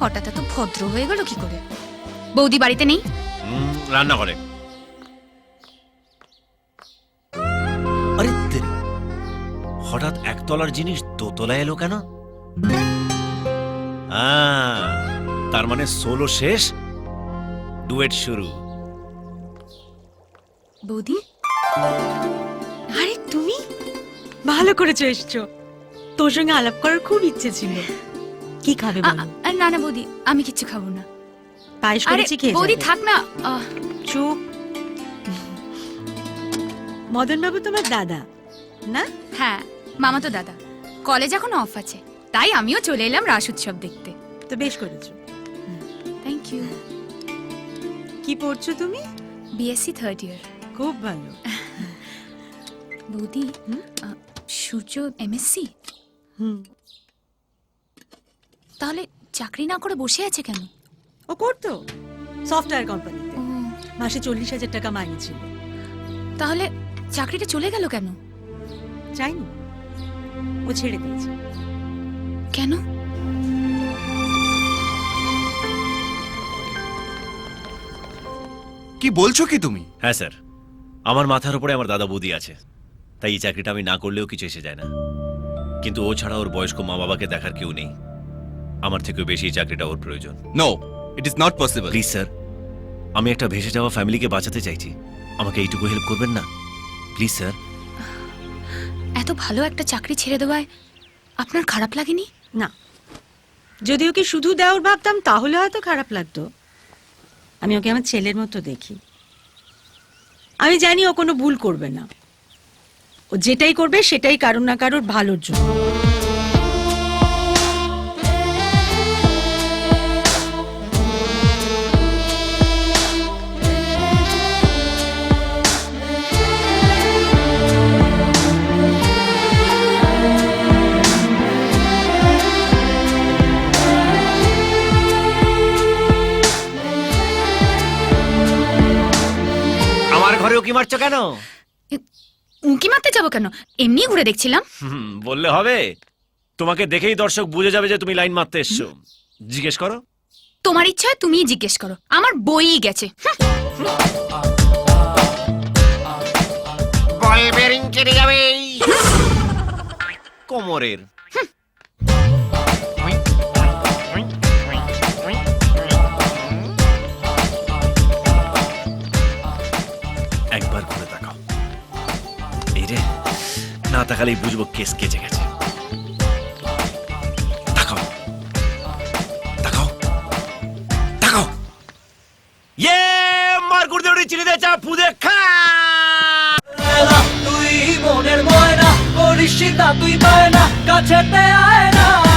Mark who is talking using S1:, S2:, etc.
S1: হঠাৎ এত ভদ্র হয়ে গেল কি করে? বৌদি বাড়িতে নেই?
S2: রান্না করে। আরে তেরি, হঠাৎ একতলার জিনিস দোতলায় এলো কেন? তার মানে সোলো শেষ, ডুয়েট শুরু।
S1: বৌদি,
S3: আরে তুমি ভালো করেছো এসছো। তোর সঙ্গে আলাপ করার খুব ইচ্ছে ছিল। কি খাবে বলো?
S1: না না বৌদি, আমি কিচ্ছু খাবো না।
S3: পায়েস করেছি, খেয়ে
S1: বৌদি
S3: যাবে।
S1: থাক না।
S3: চুপ। মদন বাবু তোমার দাদা না?
S1: হ্যাঁ, মামা তো দাদা। কলেজ এখন অফ আছে, তাই আমিও চলে এলাম রাস উৎসব দেখতে।
S3: তো বেশ করেছো।
S1: Thank you.
S3: কি পড়ছো তুমি?
S1: BSc third year.
S3: খুব ভালো।
S1: বৌদি, সূর্য এমএসসি? তাহলে চাকরি না করে বসে আছে কেন?
S3: ও করতো সফটওয়্যার কোম্পানিতে,
S1: ও,
S3: মাসে 40,000 টাকা মাইনে ছিল।
S1: তাহলে চাকরিটা চলে গেল কেন?
S3: চাইনি, ও ছেড়ে দিয়েছে।
S1: কেন?
S4: কি বলছো কি তুমি?
S2: হ্যাঁ স্যার, আমার মাথার উপরে আমার দাদা বৌদি আছে, তাই এই চাকরিটা আমি না করলেও কিছু এসে যায় না। কিন্তু ও ছাড়া ওর বয়স্ক মা বাবাকে দেখার কেউ নেই। আমার থেকেও বেশি এই চাকরিটা ওর প্রয়োজন।
S4: No, it is not possible.
S2: Please sir, আমি একটা ভেসে যাওয়া ফ্যামিলিকে বাঁচাতে চাইছি, আমাকে এইটুকু হেল্প করবেন না প্লিজ স্যার?
S1: এত ভালো একটা চাকরি ছেড়ে দেওয়ায় আপনার খারাপ লাগেনি?
S3: না, যদি ওকে শুধু দেওয়ার ভাবতাম তাহলে হয়তো খারাপ লাগতো। আমি ওকে আমার ছেলের মতো দেখি। আমি জানি ও কোনো ভুল করবে না। ও যেটাই করবে সেটাই কারোর না কারোর ভালোর জন্য।
S2: আমার ঘরে উকি মারছো কেন?
S1: উঁকি মারতে যাবো কেন? এমনি ঘুরে দেখছিলাম।
S2: বললে হবে? তোমাকে দেখেই দর্শক বুঝে যাবে যে তুমি লাইন মারতে এসছো। জিজ্ঞেস করো।
S1: তোমার ইচ্ছা হয় তুমিই জিজ্ঞেস করো, আমার বইই গেছে।
S2: বল বেরিং কেটে যাবে কোমরের। একবার ঘুরে তাকাও। এই রে, না তাকালেই বুঝবো কেস কেচে গেছে। তাকাও তাকাও তাকাও। ইয়ে মারকুর দেউড়ি চিনি দে চা ফুদে খা।
S5: তুই মনের ময়না করিস তুই বায়না, কাছেতে আয় না।